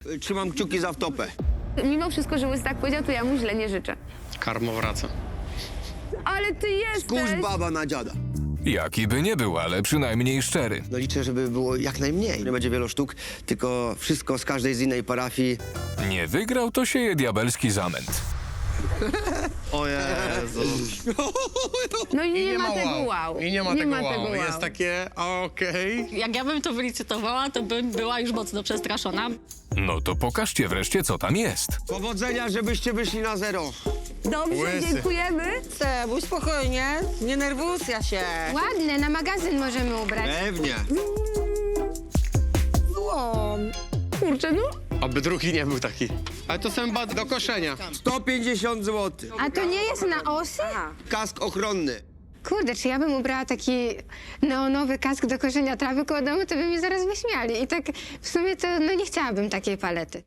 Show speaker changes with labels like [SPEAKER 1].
[SPEAKER 1] Trzymam kciuki za wtopę.
[SPEAKER 2] Mimo wszystko, że Łysy tak powiedział, to ja mu źle nie życzę.
[SPEAKER 3] Karmo wraca.
[SPEAKER 2] Ale ty jesteś!
[SPEAKER 1] Kurz baba na dziada.
[SPEAKER 4] Jaki by nie był, ale przynajmniej szczery.
[SPEAKER 1] No liczę, żeby było jak najmniej. Nie będzie wielu sztuk, tylko wszystko z każdej z innej parafii.
[SPEAKER 4] Nie wygrał, to sieje diabelski zamęt.
[SPEAKER 1] O Jezu.
[SPEAKER 2] No i nie ma tego wow.
[SPEAKER 3] I nie ma tego wow.
[SPEAKER 2] wow.
[SPEAKER 3] Jest takie, okej.
[SPEAKER 5] Jak ja bym to wylicytowała, to bym była już mocno przestraszona.
[SPEAKER 4] No to pokażcie wreszcie, co tam jest.
[SPEAKER 1] Powodzenia, żebyście wyszli na zero.
[SPEAKER 2] Dobrze,
[SPEAKER 3] Łysy.
[SPEAKER 2] dziękujemy.
[SPEAKER 6] Sebuś, spokojnie, nie nerwucja się.
[SPEAKER 2] Ładne, na magazyn możemy ubrać.
[SPEAKER 1] Pewnie.
[SPEAKER 6] Złom.
[SPEAKER 2] Kurczę, no.
[SPEAKER 3] Oby drugi nie był taki. Ale to są chyba do koszenia.
[SPEAKER 1] 150 zł.
[SPEAKER 2] A to nie jest na osy?
[SPEAKER 1] Kask ochronny.
[SPEAKER 7] Kurde, czy ja bym ubrała taki neonowy kask do korzenia trawy koło domu, to by mnie zaraz wyśmiali. I tak w sumie to no nie chciałabym takiej palety.